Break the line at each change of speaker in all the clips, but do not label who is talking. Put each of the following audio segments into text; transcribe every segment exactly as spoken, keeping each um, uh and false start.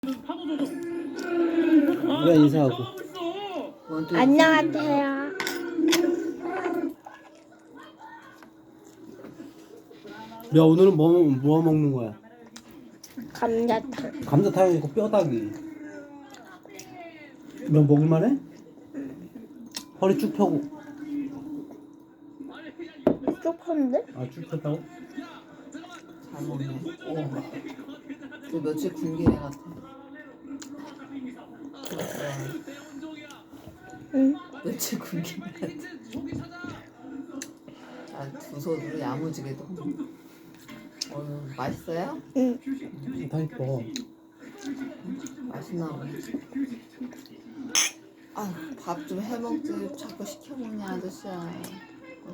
누가 인사하고.
안녕하세요.
야, 오늘은 뭐, 뭐 먹는 거야?
감자탕.
감자탕이고 뼈다귀. 너 먹을만해? 허리 쭉 펴고.
조금인데?
아, 쭉 폈다고?
잘 먹네. 오. 그 며칠 굶긴 애 같아.
응.
며칠 굶긴 애 같아. 아, 두 손으로 야무지게도. 어, 맛있어요?
응.
다 이뻐.
맛있나 보네. 아, 밥 좀 해먹지. 자꾸 시켜먹냐, 아저씨야. 어?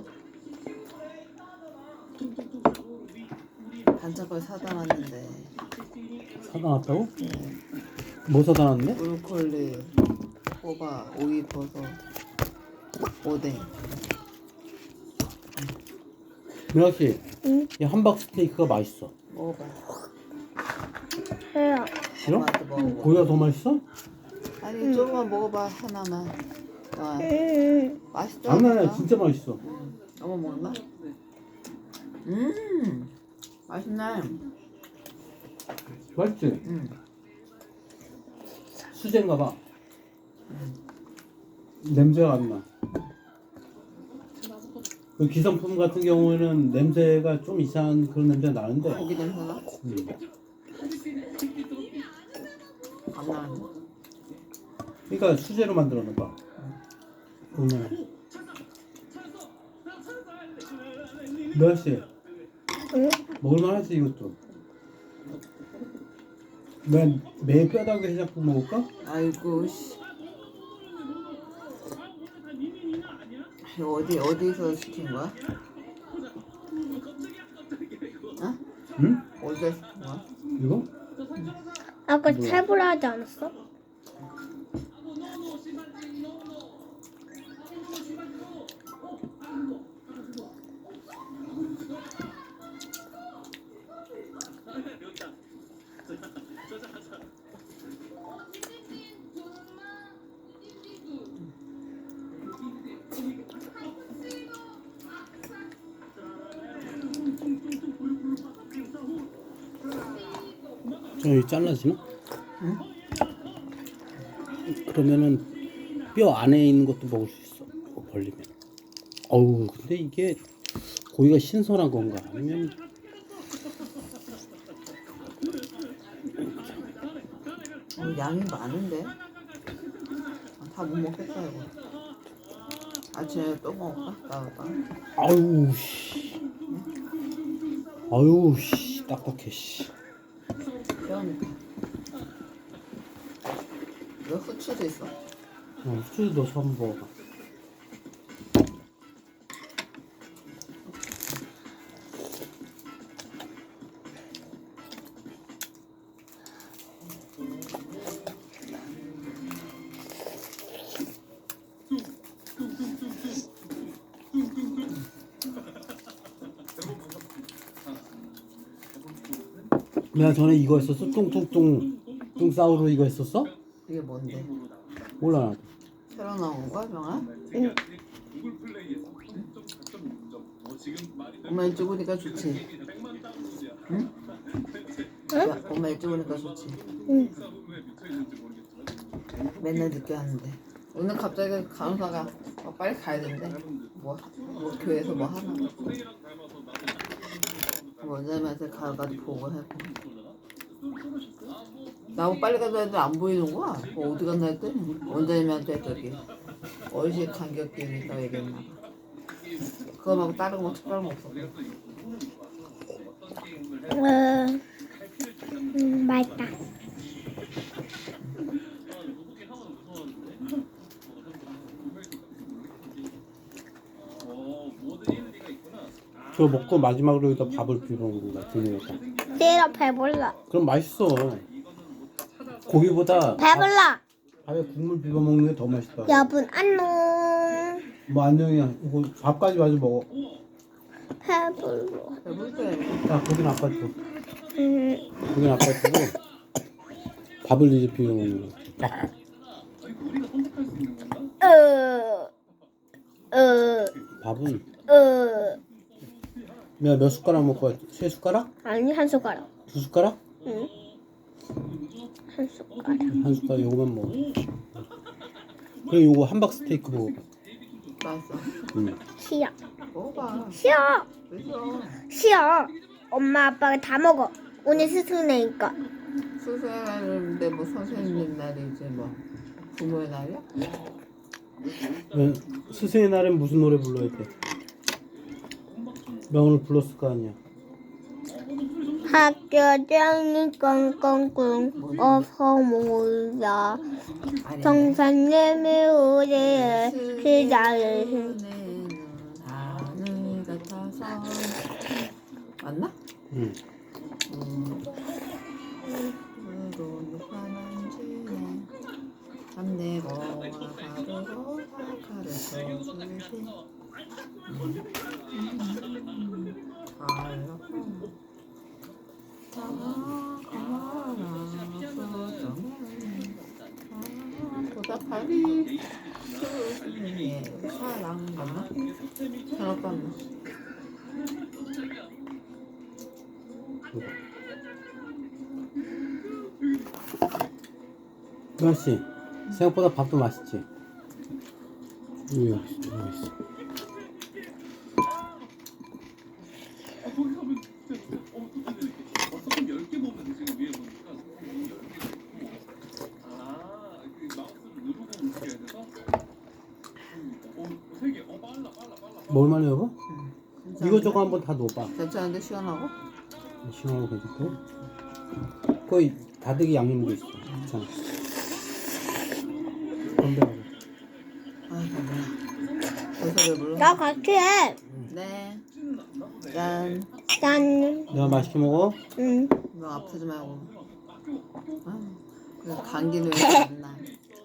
반찬걸 사다 놨는데.
사다 놨다고? 뭐 사다 놨는데?
브로콜리, 호박, 오이버섯, 오뎅.
미라씨,
응.
이 함박 스테이크가 맛있어.
먹어봐.
해요.
싫어?
엄마한테 먹어봐.
고기가 더 맛있어?
아니, 조금만 먹어봐, 하나만. 와,
응.
맛있다.
장난이야, 진짜 맛있어.
응. 어머 먹나? 음, 맛있네.
맛있지?
음,
수제인가 봐. 냄새가 안 나. 그 기성품 같은 경우에는 냄새가 좀 이상한 그런 냄새가 나는데.
고기 냄새나?
음.
안 나는데?
그러니까 수제로 만들었나 봐. 얼마나? 미라씨,
응.
먹을만하지 이것도. 난 매일 뼈다귀 해장국 먹을까?
아이고 씨. 이거 어디 어디서 시킨 거야? 어?
응?
어디서 시킨 거야?
이거?
아까 채불 하지 않았어?
저기 잘라지나?
응?
그러면은 뼈 안에 있는 것도 먹을 수 있어. 이거 벌리면. 어우, 근데 이게 고기가 신선한 건가? 아니면
어, 양이 많은데? 다 못 먹겠다 이거. 아침에 또 먹을까? 나올까?
아유 씨. 아유 씨, 딱딱해 씨.
그러니까. 이거 후추도 있어.
어, 후추도 넣어서 한번 먹어봐. 내가 전에 이거 했었어? 뚱뚱뚱 뚱싸우로 이거 했었어?
이게 뭔데?
몰라 나도.
새로 나온 거야, 병아?
응.
엄마 일찍 오니까 좋지. 응? 야, 엄마 일찍 오니까 좋지.
응.
맨날 늦게 하는데. 오늘 갑자기 간호사가 어, 빨리 가야 된대. 뭐, 뭐 교회에서 뭐 하나? 원장님한테 가가지고 보고하고. 나하고 빨리 가자 했는데 안 보이는 거야. 어, 어디 갔나 했더니 원장님한테 저기 어르신 간격기에 있다고 얘기했나 봐. 그거 말고 다른 거 특별한 거 없었고.
음, 음, 맛있다.
그거 먹고 마지막으로 여기다 밥을 비벼 먹는 거야. 등에다.
내가 배불러.
그럼 맛있어. 고기보다
배불러.
밥에 국물 비벼 먹는 게 더 맛있다.
여분 안녕.
뭐 안녕이야. 이거 밥까지 마저 먹어.
배불러.
배불러.
자, 고기는 아빠 줘.
음.
고기는 아빠 주고 밥을 이제 비벼 먹는 거. 딱.
으, 으,
밥은
으.
내가 몇 숟가락 먹고 왔지? 세 숟가락?
아니, 한 숟가락.
두 숟가락?
응. 한 숟가락.
한 숟가락 요거만 먹어. 그럼 요거 함박 스테이크 먹어봐.
맛있어.
응.
싫어.
먹어봐.
싫어.
그래서
싫어. 엄마, 아빠가 다 먹어. 오늘 스승내니까.
수수의 날인데 뭐 선생님 날이지 뭐 부모의 날이야?
왜 스승의 날엔 무슨 노래 불러야 돼? 나 오늘 불렀을 거 아니야.
학교장이 꽁꽁꽁 어서 모여
아니.
성산님이 우리의 기다리신
하늘 같아서 맞나?
응.
으로 환한지네 밤내고와 가루로 사카를 써주신 알라파 보다파리 스승의 사랑 맞나? 잘못 봤나?
맛있지? 생각보다 밥도 맛있지? 여기 있어, 여기 있어. 먹을만해 여보? 이거 저거 한번 다 넣어봐.
괜찮은데 시원하고?
시원하고 괜찮고. 거의 다대기 양념도 있어. 괜찮아. 건배하고.
아이고 뭐야 벌써 배불러?
나 같이 해.
네. 짠.
짠.
내가 맛있게 먹어?
응.
너 아프지 말고. 아, 그래서 감기는 왜 안 나?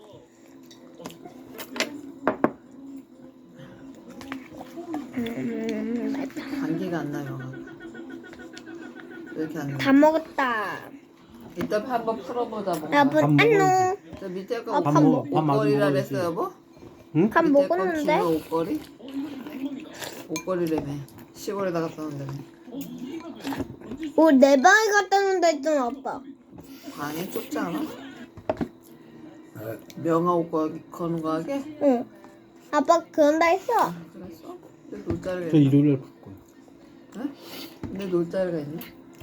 음, 맛있다.
감기가 안 나요. 왜 이렇게 안 나?
다 먹었다.
이따 한번 풀어보자 뭔가.
여보,
밥 먹어야지.
안녕.
저 밑에 거
아,
밥
밥
먹어.
먹-
밥 마저
옷걸이라
먹어야지.
그랬어 여보?
응?
밥
밑에 거
먹었는데?
긴 옷걸이? 옷걸이라며. 시골에다 갖다 놓는다며.
우리 내 방에 갖다 놓는다 했잖아, 아빠.
방이 좁지 않아? 명화 옷걸이 거는 거 하게?
응. 아빠 그런다 했어.
그랬어? 근데 놀자리가
저
있나?
일요일날 풀 거야.
어? 근데 놀자리가 있네?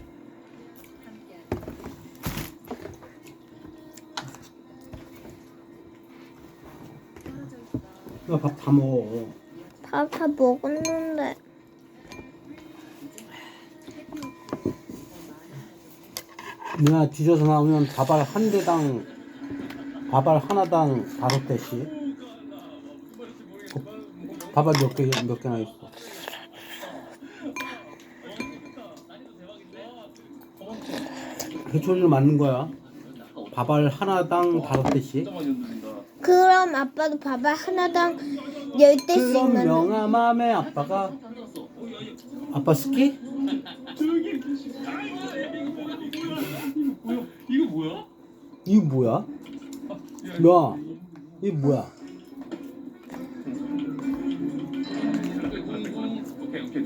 나 밥 다 먹어.
밥 다 먹었는데.
누나 뒤져서 나오면 밥알 한 대당 밥알 하나당 다섯 대씩. 밥알 몇 개, 몇 개나 있어. 해초리를 맞는 거야. 밥알 하나당 다섯 대씩.
그럼 아빠도 밥을 하나당 열 대씩
그럼
넣는.
명함함에 아빠가 아빠 스키?
이거 뭐야?
이거 뭐야? 야, 이거 뭐야?
오케이 오케이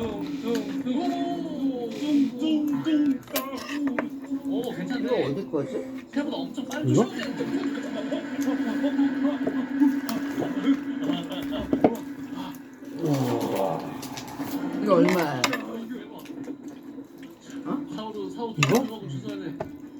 둥둥둥둥둥둥둥 오 괜찮네.
이거 어디 거지?
생각보다 엄청 빨리
이거?
이거 얼마야?
사오도 사오도
이거?
주소하네.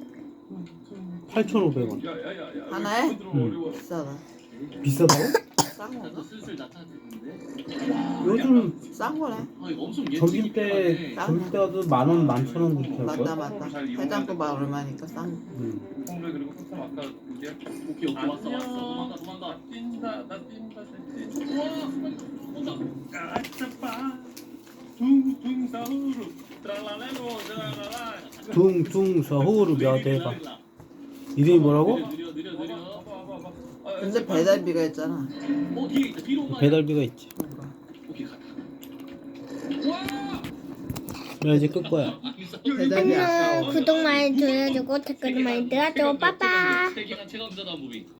팔천오백 원.
야야야야.
하나에?
응.
비싸다.
비싸다고?
싼 건가?
슬슬 나타나는데.
요즘
싼 거네.
아 이거 엄청
점심 때 점심 때 와도 만 원, 만천 원 그렇게 할
맞다
거야.
맞다. 해장국만 얼마니까 싼 거.
응.
홍배 그리고 소금 아까 그게 오케이 오케이 왔어 왔어 도망가 도망가 뛴다 나 뛴다 나 뛴다 와 온다 아차빠 둥둥 사우루 트랄랄레로 트랄랄라
둥둥 서후루 며대가. 이름이 뭐라고?
느려 느려 느려
근데 배달비가 있잖아.
어 뒤에 있다 뒤로 가
배달비가 있지.
뭔가.
오케이 가
나 이제 끌 거야.
있어
대답이 아까워.
안녕. 구독 많이 눌러주고 댓글 많이 달아줘. 빠빠.
세계관 체감자다 무비.